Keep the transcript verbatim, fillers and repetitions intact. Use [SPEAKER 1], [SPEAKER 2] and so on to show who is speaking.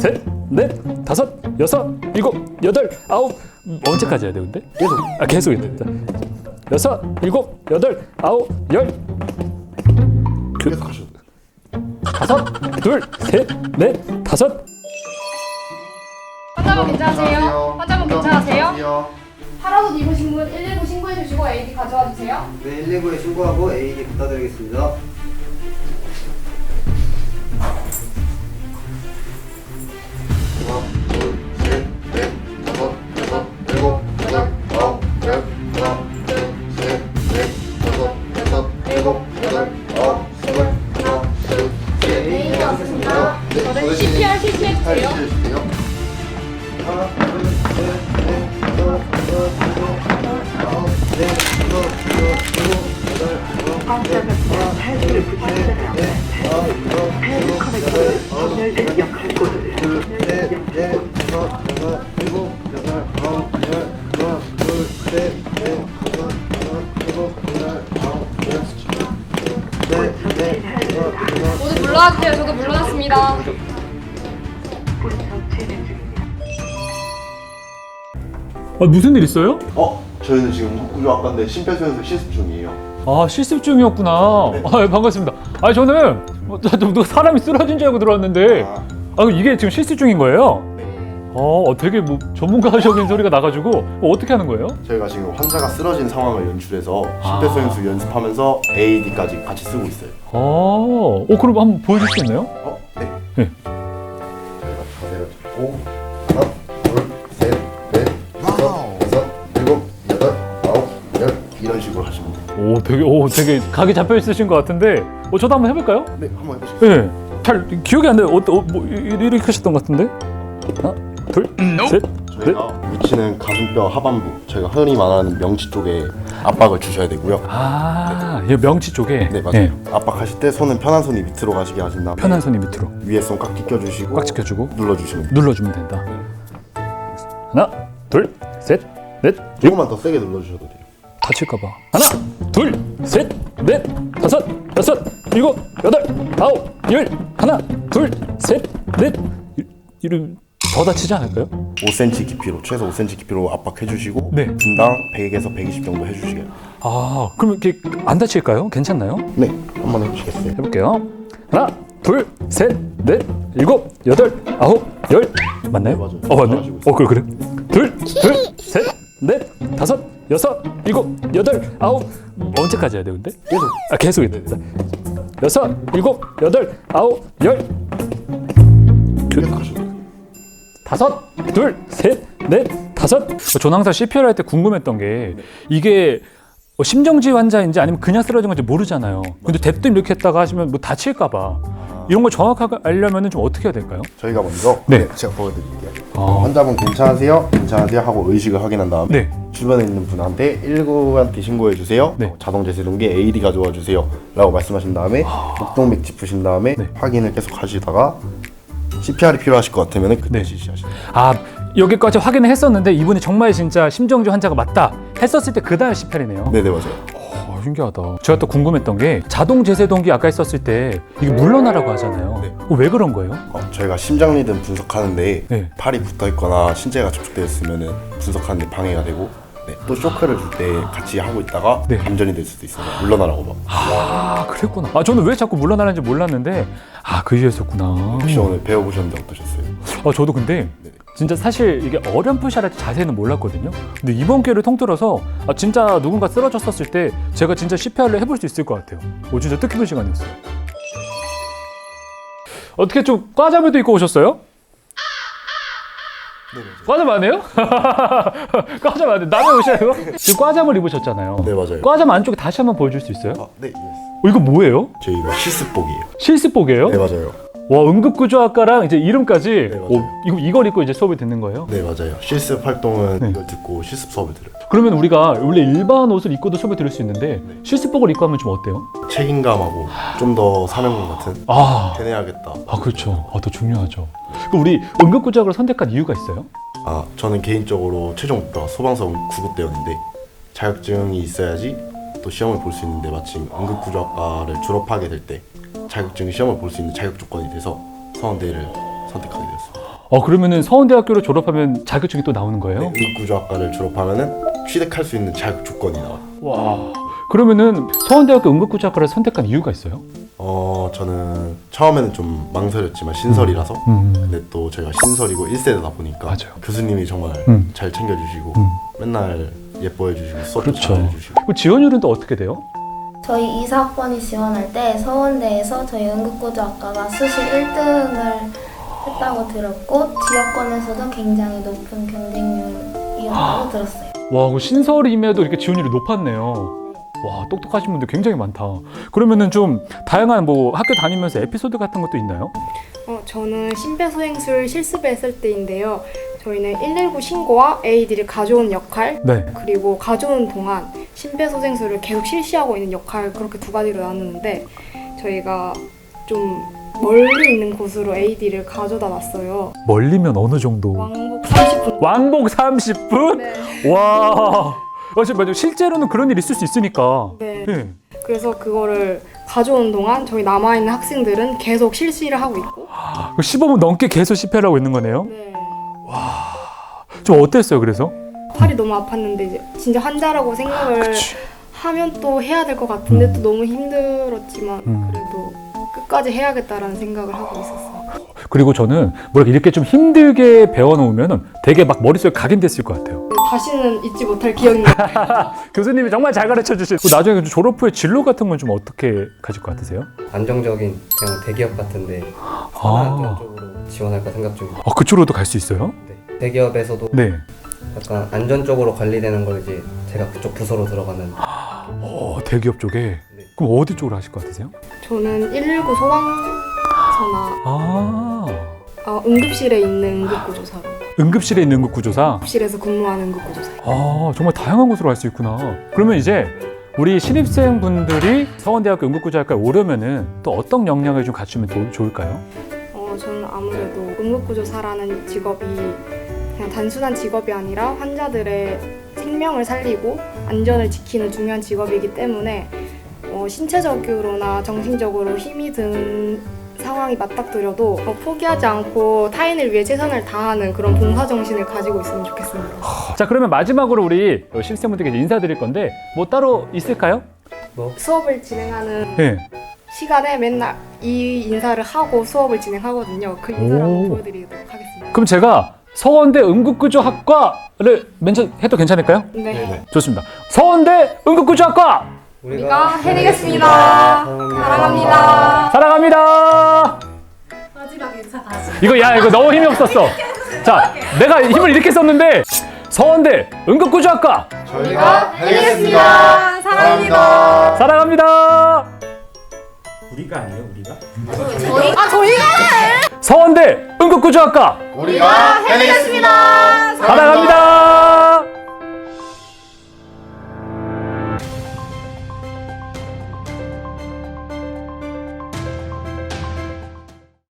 [SPEAKER 1] 셋, 넷, 다섯, 여섯, 일곱, 여덟, 아홉. 언제까지 해야 돼 근데?
[SPEAKER 2] 계속.
[SPEAKER 1] 아 계속 해야 된다. 여섯, 일곱, 여덟, 아홉, 열.
[SPEAKER 2] 계속 하셔도 돼요.
[SPEAKER 1] 다섯, 둘, 셋, 넷, 다섯.
[SPEAKER 3] 환자분 괜찮으세요? 환자분 괜찮으세요? 파라옷 입으신 분 일일구 신고해 주시고 에이디 가져와 주세요.
[SPEAKER 2] 네, 일일구에 신고하고 에이디 부탁드리겠습니다. 하나, 둘, 셋, 넷, 다섯, 여섯, 일곱, 여덟, 아홉, 열. 하나, 둘, 셋, 넷, 다섯, 여섯, 일곱, 여덟, 아홉, 스물. 하나, 둘, 셋.
[SPEAKER 3] 에이디 없으십니까?
[SPEAKER 2] 네,
[SPEAKER 3] 저는 씨피알 실시해 주세요.
[SPEAKER 2] 해주세요. 하나, 둘, 셋, 넷, 다섯, 여섯, 일곱, 여덟, 아홉, 열. 여섯, 여섯, 일곱, 여덟, 아홉, 열. 하나, 둘, 셋, 넷, 다섯, 여섯, 일곱, 여덟, 아홉, 열. 둘, 셋, 넷, 다섯, 여섯, 일곱, 여덟, 아홉, 열. 하나, 둘, 셋, 넷, 다섯, 여섯, 일곱, 여덟, 아홉, 열. 셋, 넷, 다섯, 여섯.
[SPEAKER 3] 모두 물러와 주세요. 저도 물러났습니다.
[SPEAKER 1] 아 무슨 일 있어요?
[SPEAKER 2] 어? 저희는 지금 구조학과인데 심폐소생술 실습 중이에요.
[SPEAKER 1] 아 실습 중이었구나.
[SPEAKER 2] 네.
[SPEAKER 1] 아 예, 반갑습니다. 아 저는 어, 저, 누가 사람이 쓰러진 줄 알고 들어왔는데
[SPEAKER 2] 아,
[SPEAKER 1] 아 이게 지금 실습 중인 거예요?
[SPEAKER 2] 네.
[SPEAKER 1] 어 되게 뭐 전문가적인 소리가 나가지고 어, 어떻게 하는 거예요?
[SPEAKER 2] 저희가 지금 환자가 쓰러진 상황을 연출해서 심폐소생술 연습하면서 에이디까지 같이 쓰고 있어요.
[SPEAKER 1] 아, 어 그럼 한번 보여줄 수 있나요?
[SPEAKER 2] 어? 네.
[SPEAKER 1] 네.
[SPEAKER 2] 저희가 자세를 잡고 하나, 둘, 셋, 넷, 다섯, 여섯, 일곱, 여덟, 아홉, 열 이런 식으로 하시면 돼요.
[SPEAKER 1] 오 되게 오 되게 각이 잡혀 있으신 것 같은데 어 저도 한번 해볼까요?
[SPEAKER 2] 네, 한번 해보시죠.
[SPEAKER 1] 네. 잘 기억이 안 나요. 어, 어, 뭐 이- 이렇게 하셨던 것 같은데? 하나, 둘, 셋, 넷.
[SPEAKER 2] 저희가 위치는 가슴뼈 하반부, 저희가 흔히 말하는 명치 쪽에 압박을 주셔야 되고요.
[SPEAKER 1] 아, 이 명치 쪽에.
[SPEAKER 2] 네, 맞아요.
[SPEAKER 1] 네,
[SPEAKER 2] 압박하실 때 손은 편한 손이 밑으로 가시게 하신 다음에
[SPEAKER 1] 편한 손이 밑으로
[SPEAKER 2] 위에 손 꽉 끼껴주시고
[SPEAKER 1] 꽉 지켜주고
[SPEAKER 2] 눌러주시면 돼요.
[SPEAKER 1] 눌러주면 된다. 하나, 둘, 셋, 넷.
[SPEAKER 2] 조금만 더 세게 눌러주셔도 돼요.
[SPEAKER 1] 다칠까봐. 하나, 둘, 셋, 넷, 다섯, 여섯, 일곱, 여덟, 아홉, 열. 하나, 둘, 셋, 넷. 이- 이름 더 다치지 않을까요?
[SPEAKER 2] 오 센티미터 깊이로, 최소 오 센티미터 깊이로 압박해주시고
[SPEAKER 1] 네.
[SPEAKER 2] 분당 백에서 백이십 정도 해주시게요.
[SPEAKER 1] 아, 그럼 이렇게 안 다칠까요? 괜찮나요?
[SPEAKER 2] 네, 한번 해주시겠어요?
[SPEAKER 1] 해볼게요. 하나, 둘, 셋, 넷, 일곱, 여덟, 아홉, 열. 맞나요?
[SPEAKER 2] 네, 맞아요.
[SPEAKER 1] 어, 맞네.
[SPEAKER 2] 잘하시고 있어요.
[SPEAKER 1] 어, 그래, 그래. 둘, 둘, 셋, 넷, 다섯, 여섯, 일곱, 여덟, 아홉. 언제까지 해야 돼, 근데?
[SPEAKER 2] 계속.
[SPEAKER 1] 아, 계속 해야 된다. 여섯, 일곱, 여덟, 아홉, 열.
[SPEAKER 2] 계속 하셔도 돼요.
[SPEAKER 1] 다섯, 둘, 셋, 넷, 다섯. 저는 항상 씨피알 할 때 궁금했던 게 이게 뭐 심정지 환자인지 아니면 그냥 쓰러진 건지 모르잖아요. 근데 대뜸 이렇게 했다가 하시면 뭐 다칠까봐 이런 걸 정확하게 알려면 좀 어떻게 해야 될까요?
[SPEAKER 2] 저희가 먼저
[SPEAKER 1] 네.
[SPEAKER 2] 제가 보여드릴게요.
[SPEAKER 1] 아.
[SPEAKER 2] 환자분 괜찮으세요? 괜찮으세요? 하고 의식을 확인한 다음에
[SPEAKER 1] 네.
[SPEAKER 2] 주변에 있는 분한테 일일구한테 신고해 주세요.
[SPEAKER 1] 네.
[SPEAKER 2] 자동 제세동기 에이디 가져와 주세요. 라고 말씀하신 다음에 목동맥 짚으신 다음에
[SPEAKER 1] 네.
[SPEAKER 2] 확인을 계속 하시다가 씨피알이 필요하실 것 같으면 그때
[SPEAKER 1] 네.
[SPEAKER 2] 실시하시면 돼요.
[SPEAKER 1] 아, 여기까지 확인을 했었는데 이분이 정말 진짜 심정지 환자가 맞다 했었을 때 그 다음 씨피알이네요.
[SPEAKER 2] 네네 맞아요.
[SPEAKER 1] 어, 신기하다. 제가 또 궁금했던 게 자동 제세동기 아까 했었을 때 이게 물러나라고 하잖아요.
[SPEAKER 2] 네.
[SPEAKER 1] 어, 왜 그런 거예요?
[SPEAKER 2] 어, 저희가 심장 리듬 분석하는데
[SPEAKER 1] 네.
[SPEAKER 2] 팔이 붙어 있거나 신체가 접촉되어 있으면 분석하는데 방해가 되고 네. 또 쇼크를 줄 때 같이 하고 있다가
[SPEAKER 1] 네.
[SPEAKER 2] 감전이 될 수도 있어요. 물러나라고 막.
[SPEAKER 1] 아, 그랬구나. 아, 저는 왜 자꾸 물러나는지 몰랐는데 아, 그 이유였었구나.
[SPEAKER 2] 혹시 오늘 배워보셨는데 어떠셨어요?
[SPEAKER 1] 아, 저도 근데 진짜 사실 이게 어렴풋이라 자세는 몰랐거든요. 근데 이번 기회를 통틀어서 아, 진짜 누군가 쓰러졌었을 때 제가 진짜 씨피알을 해볼 수 있을 것 같아요. 오, 진짜 뜻깊은 시간이었어요. 어떻게 좀 과잠을도 입고 오셨어요?
[SPEAKER 2] 네,
[SPEAKER 1] 과잠 안 해요? 과잠 안 해. 남의 옷이에요? 지금 과잠을 입으셨잖아요.
[SPEAKER 2] 네 맞아요.
[SPEAKER 1] 과잠 안쪽에 다시 한번 보여줄 수 있어요?
[SPEAKER 2] 아, 네, 예.
[SPEAKER 1] 어, 이거 뭐예요?
[SPEAKER 2] 저희가 실습복이에요.
[SPEAKER 1] 실습복이에요?
[SPEAKER 2] 네 맞아요.
[SPEAKER 1] 와, 응급구조학과랑 이제 이름까지
[SPEAKER 2] 네, 맞아요.
[SPEAKER 1] 오, 이거 이걸 입고 이제 수업을 듣는 거예요?
[SPEAKER 2] 네 맞아요. 실습 활동은
[SPEAKER 1] 네.
[SPEAKER 2] 이걸 듣고 실습 수업을 들어요.
[SPEAKER 1] 그러면 우리가 원래 일반 옷을 입고도 수업을 들을 수 있는데 실습복을 입고 하면 좀 어때요?
[SPEAKER 2] 책임감하고 좀 더 사명감 같은
[SPEAKER 1] 아,
[SPEAKER 2] 해내야겠다.
[SPEAKER 1] 아 그렇죠. 아, 더 중요하죠. 그럼 우리 응급구조학을 선택한 이유가 있어요?
[SPEAKER 2] 아 저는 개인적으로 최종 목표가 소방서 구급대였는데 자격증이 있어야지 또 시험을 볼 수 있는데 마침 응급구조학과를 졸업하게 될 때 자격증 시험을 볼 수 있는 자격 조건이 돼서 서원대를 선택하게 되었습니다.
[SPEAKER 1] 어 그러면은 서원대학교를 졸업하면 자격증이 또 나오는 거예요?
[SPEAKER 4] 네, 응급구조학과를 졸업하면은 취득할 수 있는 자격 조건이 나와요.
[SPEAKER 1] 와. 그러면은 서원대학교 응급구조학과를 선택한 이유가 있어요?
[SPEAKER 4] 어 저는 처음에는 좀 망설였지만 신설이라서
[SPEAKER 1] 음.
[SPEAKER 4] 근데 또 제가 신설이고 일 세대다 보니까
[SPEAKER 1] 맞아요.
[SPEAKER 4] 교수님이 정말
[SPEAKER 1] 음.
[SPEAKER 4] 잘 챙겨주시고
[SPEAKER 1] 음.
[SPEAKER 4] 맨날 예뻐해 주시고 수업도
[SPEAKER 1] 그렇죠.
[SPEAKER 4] 잘해주시고
[SPEAKER 1] 그 지원율은 또 어떻게 돼요?
[SPEAKER 5] 저희 이사학번이 지원할 때 서원대에서 저희 응급구조학과가 수시 일 등을 했다고 들었고 지역권에서도 굉장히 높은 경쟁률이었다고 들었어요.
[SPEAKER 1] 와, 그 신설임에도 이렇게 지원율이 높았네요. 와, 똑똑하신 분들 굉장히 많다. 그러면은 좀 다양한 뭐 학교 다니면서 에피소드 같은 것도 있나요?
[SPEAKER 6] 어, 저는 심폐소생술 실습했을 때인데요. 저희는 일일구 신고와 에이디를 가져온 역할,
[SPEAKER 1] 네.
[SPEAKER 6] 그리고 가져오는 동안 심폐소생술을 계속 실시하고 있는 역할, 그렇게 두 가지로 나누는데 저희가 좀 멀리 있는 곳으로 에이디를 가져다 놨어요.
[SPEAKER 1] 멀리면 어느 정도?
[SPEAKER 6] 왕복 삼십 분.
[SPEAKER 1] 왕복 삼십 분?
[SPEAKER 6] 네.
[SPEAKER 1] 와. 어, 지- 맞아요. 실제로는 그런 일이 있을 수 있으니까.
[SPEAKER 6] 네.
[SPEAKER 1] 네.
[SPEAKER 6] 그래서 그거를 가져온 동안 저희 남아있는 학생들은 계속 실시를 하고 있고.
[SPEAKER 1] 그 십오 분 넘게 계속 집회를 하고 있는 거네요.
[SPEAKER 6] 네.
[SPEAKER 1] 좀 어땠어요, 그래서?
[SPEAKER 6] 팔이 너무 아팠는데 이제 진짜 환자라고 생각을
[SPEAKER 1] 그치.
[SPEAKER 6] 하면 또 해야 될 것 같은데 또 너무 힘들었지만
[SPEAKER 1] 음.
[SPEAKER 6] 그래도 끝까지 해야겠다라는 생각을 하고 있었어요.
[SPEAKER 1] 그리고 저는 뭐랄까 이렇게 좀 힘들게 배워놓으면 되게 막 머릿속에 각인됐을 것 같아요.
[SPEAKER 6] 다시는 잊지 못할 기억입니다.
[SPEAKER 1] 교수님이 정말 잘 가르쳐 주시고 나중에 좀 졸업 후에 진로 같은 건 좀 어떻게 가질 것 같으세요?
[SPEAKER 7] 안정적인 그냥 대기업 같은데 산업안전 쪽으로 지원할까 생각 중입니다.
[SPEAKER 1] 아, 그쪽으로도 갈 수 있어요?
[SPEAKER 7] 네. 대기업에서도
[SPEAKER 1] 네.
[SPEAKER 7] 약간 안전적으로 관리되는 걸 이제 제가 그쪽 부서로 들어가는.
[SPEAKER 1] 어, 대기업 쪽에.
[SPEAKER 7] 네.
[SPEAKER 1] 그럼 어디 쪽으로 하실 것 같으세요?
[SPEAKER 6] 저는 일일구 소방서나
[SPEAKER 1] 아,
[SPEAKER 6] 어, 응급실에 있는 응급구조사로
[SPEAKER 1] 응급실에 있는 응급구조사.
[SPEAKER 6] 응급실에서 근무하는 응급구조사.
[SPEAKER 1] 아, 정말 다양한 곳으로 갈 수 있구나. 그러면 이제 우리 신입생 분들이 서원대학교 응급구조학과에 오려면은 또 어떤 역량을 좀 갖추면 도, 좋을까요?
[SPEAKER 6] 어, 저는 아무래도 응급구조사라는 직업이 그냥 단순한 직업이 아니라 환자들의 생명을 살리고 안전을 지키는 중요한 직업이기 때문에 어, 신체적으로나 정신적으로 힘이 든 상황이 맞닥뜨려도 어, 포기하지 않고 타인을 위해 최선을 다하는 그런 봉사정신을 가지고 있으면 좋겠습니다.
[SPEAKER 1] 자, 그러면 마지막으로 우리 신입생분들께 인사드릴 건데 뭐 따로 있을까요?
[SPEAKER 6] 수업을 진행하는
[SPEAKER 1] 네.
[SPEAKER 6] 시간에 맨날 이 인사를 하고 수업을 진행하거든요. 그 인사를
[SPEAKER 1] 오.
[SPEAKER 6] 한번 보여드리도록 하겠습니다.
[SPEAKER 1] 그럼 제가 서원대 응급구조학과를 멘션해도 괜찮을까요?
[SPEAKER 6] 네.
[SPEAKER 1] 좋습니다. 서원대 응급구조학과
[SPEAKER 6] 우리가 해내겠습니다. 사랑합니다.
[SPEAKER 1] 사랑합니다.
[SPEAKER 3] 마지막 인사 다시.
[SPEAKER 1] 이거 야 이거 너무 힘이 없었어. 자, 내가 힘을 이렇게 썼는데 서원대 응급구조학과
[SPEAKER 2] 저희가 해내겠습니다. 사랑합니다.
[SPEAKER 1] 사랑합니다.
[SPEAKER 8] 우리가 아니에요, 우리가?
[SPEAKER 3] 아 저희가
[SPEAKER 1] 서원대 응급구조학과
[SPEAKER 2] 우리가 해내겠습니다.
[SPEAKER 1] 사랑합니다.